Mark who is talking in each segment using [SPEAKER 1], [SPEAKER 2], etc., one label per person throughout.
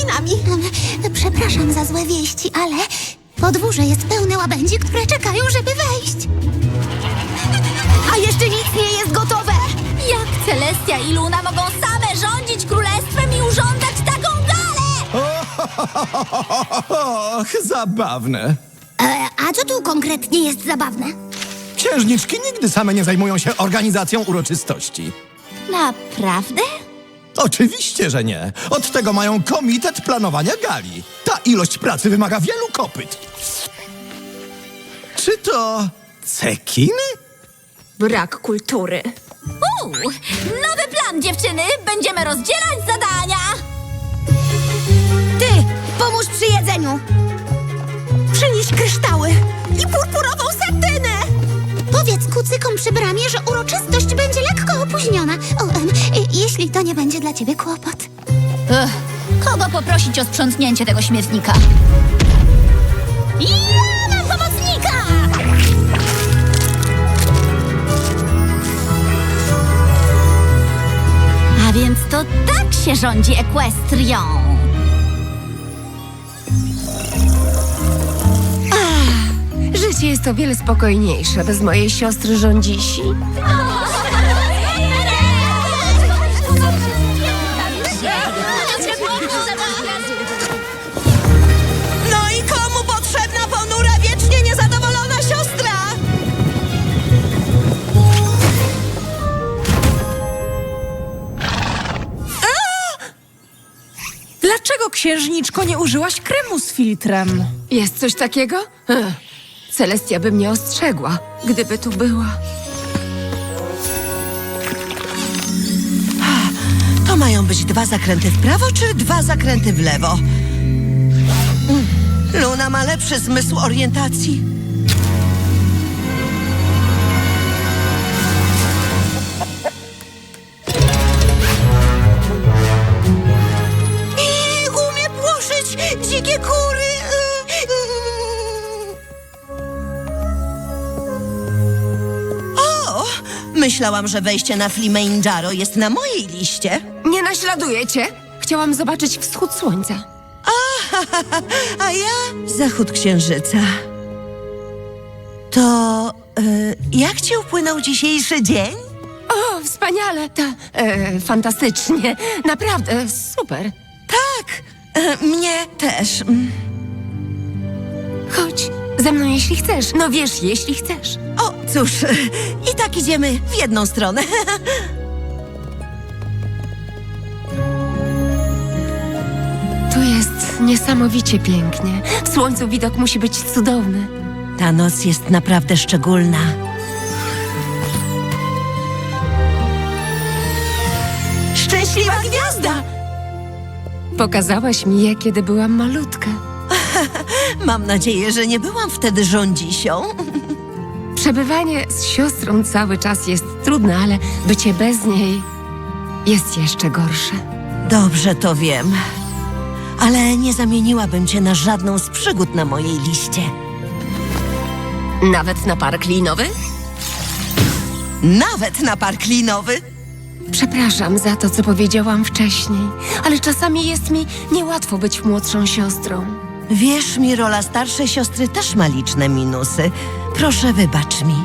[SPEAKER 1] rekinami.
[SPEAKER 2] Przepraszam za złe wieści, ale podwórze jest pełne łabędzi, które czekają, żeby wejść.
[SPEAKER 1] A jeszcze nic nie jest gotowe.
[SPEAKER 3] Jak Celestia i Luna mogą same rządzić królestwem i urządzać taką galę?
[SPEAKER 4] Och, zabawne.
[SPEAKER 2] A co tu konkretnie jest zabawne?
[SPEAKER 4] Księżniczki nigdy same nie zajmują się organizacją uroczystości.
[SPEAKER 3] Naprawdę?
[SPEAKER 4] Oczywiście, że nie. Od tego mają komitet planowania gali. Ta ilość pracy wymaga wielu kopyt. Czy to cekiny?
[SPEAKER 1] Brak kultury.
[SPEAKER 3] Nowy plan, dziewczyny! Będziemy rozdzielać zadania!
[SPEAKER 2] Ty, pomóż przy jedzeniu.
[SPEAKER 1] Przynieś kryształy i purpurową satynę.
[SPEAKER 2] Powiedz kucykom przy bramie, że uroczystość będzie lekko opóźniona. Jeśli to nie będzie dla ciebie kłopot.
[SPEAKER 3] Kogo poprosić o sprzątnięcie tego śmietnika? Ja mam pomocnika! A więc to tak się rządzi Ekwestrią.
[SPEAKER 1] Życie jest o wiele spokojniejsze bez mojej siostry rządzisi. No i komu potrzebna ponura, wiecznie niezadowolona siostra?
[SPEAKER 5] Dlaczego, księżniczko, nie użyłaś kremu z filtrem?
[SPEAKER 1] Jest coś takiego? Celestia by mnie ostrzegła, gdyby tu była.
[SPEAKER 6] To mają być 2 zakręty w prawo, czy 2 zakręty w lewo? Luna ma lepszy zmysł orientacji. I umie płoszyć dzikie kury. O! Myślałam, że wejście na Flimejndżaro jest na mojej liście.
[SPEAKER 1] Nie naśladuję cię. Chciałam zobaczyć wschód słońca.
[SPEAKER 6] A ja zachód księżyca. To jak ci upłynął dzisiejszy dzień?
[SPEAKER 1] O, wspaniale. Fantastycznie. Naprawdę, super.
[SPEAKER 6] Tak, mnie też.
[SPEAKER 1] Chodź ze mną, jeśli chcesz. No wiesz, jeśli chcesz.
[SPEAKER 6] O, cóż, i tak idziemy w jedną stronę.
[SPEAKER 1] Tu jest niesamowicie pięknie. W słońcu widok musi być cudowny.
[SPEAKER 6] Ta noc jest naprawdę szczególna. Szczęśliwa gwiazda!
[SPEAKER 1] Pokazałaś mi je, kiedy byłam malutka.
[SPEAKER 6] Mam nadzieję, że nie byłam wtedy rządzisią.
[SPEAKER 1] Przebywanie z siostrą cały czas jest trudne, ale bycie bez niej jest jeszcze gorsze.
[SPEAKER 6] Dobrze to wiem. Ale nie zamieniłabym cię na żadną z przygód na mojej liście.
[SPEAKER 1] Nawet na park linowy?
[SPEAKER 6] Nawet na park linowy.
[SPEAKER 1] Przepraszam za to, co powiedziałam wcześniej, ale czasami jest mi niełatwo być młodszą siostrą.
[SPEAKER 6] Wierz mi, rola starszej siostry też ma liczne minusy. Proszę, wybacz mi.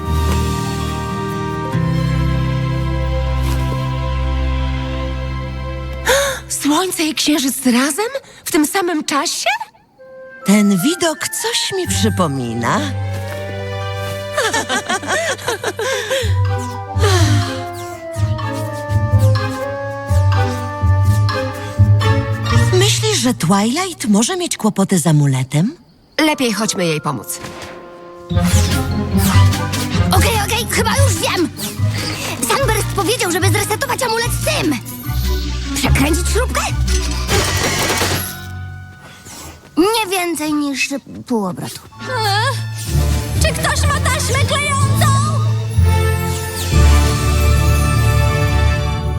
[SPEAKER 1] Słońce i księżyc razem? W tym samym czasie?
[SPEAKER 6] Ten widok coś mi przypomina. Myślisz, że Twilight może mieć kłopoty z amuletem?
[SPEAKER 1] Lepiej chodźmy jej pomóc.
[SPEAKER 2] Okej, chyba już wiem. Sunburst powiedział, żeby zresetować amulet z tym. Przekręcić śrubkę? Nie więcej niż pół obrotu.
[SPEAKER 3] Czy ktoś ma taśmę klejącą?